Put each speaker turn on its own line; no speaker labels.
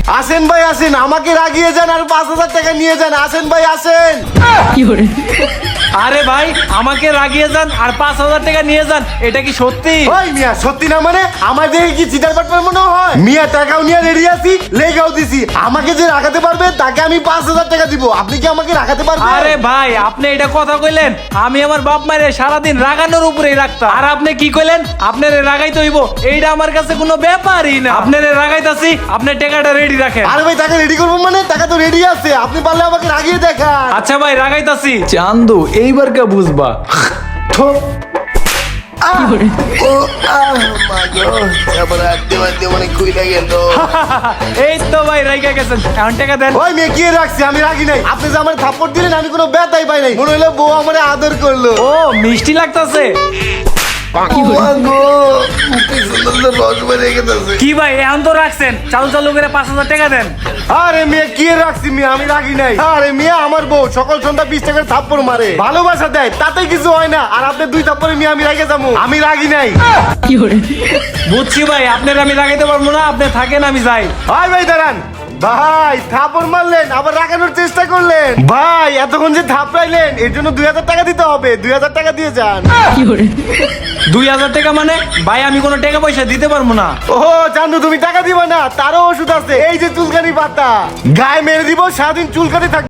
আসেন ভাই আসেন, আমাকে রাগিয়ে যান আর 5,000 টাকা নিয়ে যান। আসেন ভাই আসেন।
আরে ভাই আমাকে রাগিয়ে যান আর 5,000 টাকা নিয়ে যান, এটা কি সত্যি?
ওই মিয়া সত্যি না মানে আমার দেখে কি চিটার বাটপার মনে হয়? মিয়া টাকাও নিয়ে রেডি আছি, লেগাও দিছি। আমাকে যে রাখাতে পারবে তাকে আমি 5,000 টাকা দিব। আপনি কি আমাকে রাখাতে পারবেন?
আরে ভাই আপনি এটা কথা কইলেন, আমি আমার বাপ মায়ের সারাদিন রাগানোর উপরেই রাখতাম, আর আপনি কি কইলেন আপনারে রাগাইতে হইব? এইটা আমার কাছে কোনো ব্যাপারই না। আপনারে রাগাইতাছি, আপনি টাকাটা রেডি রাখেন।
আরে ভাই টাকা রেডি করবো মানে? টাকা তো রেডি আছে, আপনি পারলে আমাকে রাগিয়ে দেখান।
আচ্ছা ভাই রাগাইতাছি। চান্দু এইবার কে বুঝবা? এই তো ভাই রাইগা গেছেন, এখন টাকা দেন।
ওই মেয়ে কি রাখছি, আমি রাগি নাই। আপনি যে আমার থাপ্পড় দিলেন আমি কোনো ব্যথাই পাই নাই, মনে হলো বউ আমার আদর করলো।
ও মিষ্টি লাগতাছে। কি ভাই এখন তো রাখছেন, চালু চালু করে 5,000 টাকা দেন।
আরে মেয়ে কি রাখছি মিয়া, আমি রাগি নাই। আরে মিয়া আমার বউ সকাল সন্ধ্যা 20 টাকার থাপ্পড় মারে, ভালোবাসা দেয়, তাতে কিছু হয় না। আর আপনি 2 থাপ্পড়ে মিয়া আমি রাগে যাবো? আমি রাগি নাই।
বুঝছি ভাই আপনার আমি রাগাইতে পারবো না, আপনি থাকেন আমি যাই।
ভাই ভাই দাঁড়ান ভাই, থাপ্পড় মারলেন আবার রাগানোর চেষ্টা করলেন। ভাই এতক্ষণ যে থাপড়াইলেন এর জন্য 2,000 টাকা দিতে হবে। 2,000 টাকা দিয়ে যান।
2,000 টাকা মানে? ভাই আমি কোনো টাকা পয়সা দিতে পারবো না।
ও চান্দু তুমি টাকা দিবা না? তারও ওষুধ আছে, এই যে চুলকানি পাতা, গায়ে মেরে দিব, সারাদিন চুলকানি থাকবে।